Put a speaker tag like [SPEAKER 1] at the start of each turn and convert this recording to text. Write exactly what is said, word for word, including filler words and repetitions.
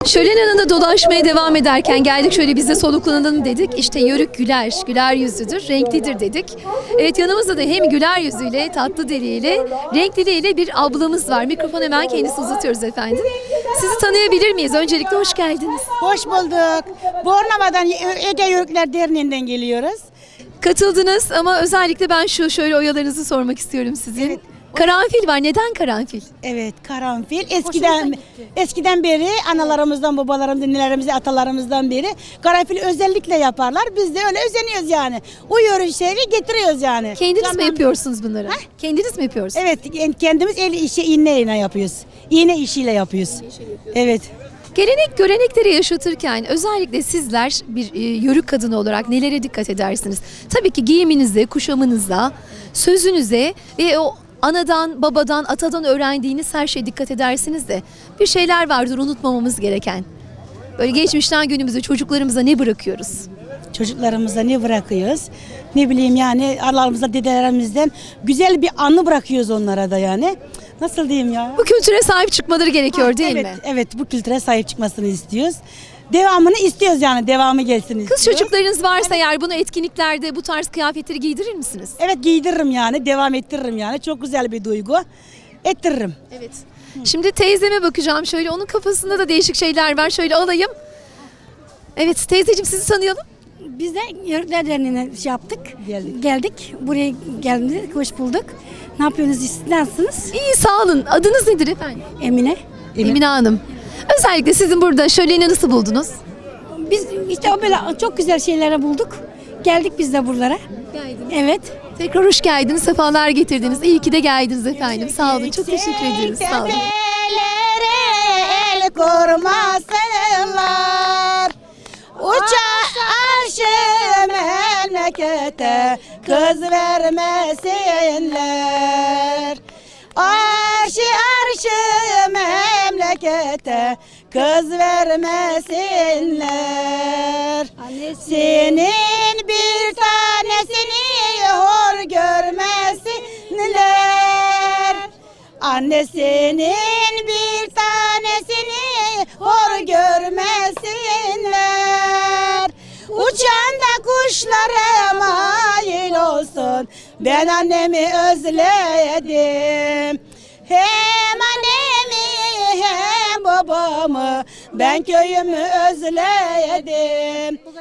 [SPEAKER 1] Şölen yanında dolaşmaya devam ederken geldik şöyle biz de soluklanalım dedik. İşte Yörük güler, güler yüzlüdür, renklidir dedik. Evet, yanımızda da hem güler yüzüyle, tatlı diliyle, renkliliğiyle bir ablamız var. Mikrofon hemen kendisi uzatıyoruz efendim. Sizi tanıyabilir miyiz? Öncelikle hoş geldiniz.
[SPEAKER 2] Hoş bulduk. Bornova'dan Ege Yörükler Derneği'nden geliyoruz.
[SPEAKER 1] Katıldınız ama özellikle ben şu şöyle oyalarınızı sormak istiyorum sizin.
[SPEAKER 2] Evet.
[SPEAKER 1] Karanfil var. Neden karanfil?
[SPEAKER 2] Evet, karanfil. Eskiden eskiden beri analarımızdan, babalarımızdan, nelerimize, atalarımızdan beri karanfil özellikle yaparlar. Biz de öyle özeniyoruz yani. O yörüşleri getiriyoruz yani.
[SPEAKER 1] Kendiniz
[SPEAKER 2] Tamam.
[SPEAKER 1] mi yapıyorsunuz bunları? Kendiniz mi yapıyorsunuz?
[SPEAKER 2] Evet, kendimiz el işi iğneyle yapıyoruz. İğne işiyle yapıyoruz. Evet.
[SPEAKER 1] Gelenek görenekleri yaşatırken özellikle sizler bir e, yörük kadını olarak nelere dikkat edersiniz? Tabii ki giyiminize, kuşamınıza, sözünüze ve o anadan, babadan, atadan öğrendiğiniz her şeye dikkat edersiniz de bir şeyler vardır unutmamamız gereken. Böyle geçmişten günümüze, çocuklarımıza ne bırakıyoruz?
[SPEAKER 2] Çocuklarımıza ne bırakıyoruz? Ne bileyim yani analarımızdan, dedelerimizden güzel bir anı bırakıyoruz onlara da yani. Nasıl diyeyim ya?
[SPEAKER 1] Bu kültüre sahip çıkmaları gerekiyor
[SPEAKER 2] Ha,
[SPEAKER 1] değil
[SPEAKER 2] evet,
[SPEAKER 1] mi?
[SPEAKER 2] Evet, bu kültüre sahip çıkmasını istiyoruz. Devamını istiyoruz yani, devamı gelsin istiyoruz.
[SPEAKER 1] Kız çocuklarınız varsa eğer bunu etkinliklerde bu tarz kıyafetleri giydirir misiniz?
[SPEAKER 2] Evet, giydiririm yani, devam ettiririm yani. Çok güzel bir duygu. Ettiririm.
[SPEAKER 1] Evet. Şimdi teyzeme bakacağım şöyle, onun kafasında da değişik şeyler var. Şöyle alayım. Evet teyzeciğim, sizi tanıyalım.
[SPEAKER 3] Biz de Yörükler Derneği'ne şey yaptık.
[SPEAKER 2] Geldik.
[SPEAKER 3] Geldik. Buraya geldik. Hoş bulduk. Ne yapıyorsunuz? Siz nasılsınız?
[SPEAKER 1] İyi, sağ olun. Adınız nedir efendim?
[SPEAKER 3] Emine.
[SPEAKER 1] Emine Hanım. Özellikle sizin burada şöleni nasıl buldunuz?
[SPEAKER 3] Biz işte o böyle çok güzel şeylere bulduk. Geldik biz de buralara.
[SPEAKER 1] Geldiniz.
[SPEAKER 3] Evet.
[SPEAKER 1] Tekrar hoş geldiniz, sefalar getirdiniz. İyi ki de geldiniz efendim. Sağ olun, çok teşekkür ederiz. Sağ olun.
[SPEAKER 2] Tepelere el kurmasınlar. Uçar arşı memlekete kız vermesinler. Arşı arşı memlekete kız vermesinler. Senin bir tanesini hor görmesinler. Annesinin bir tanesini hor görmesinler. Uçan da kuşlara mail olsun. Ben annemi özledim. Hem annemi hem babamı, ben köyümü özledim.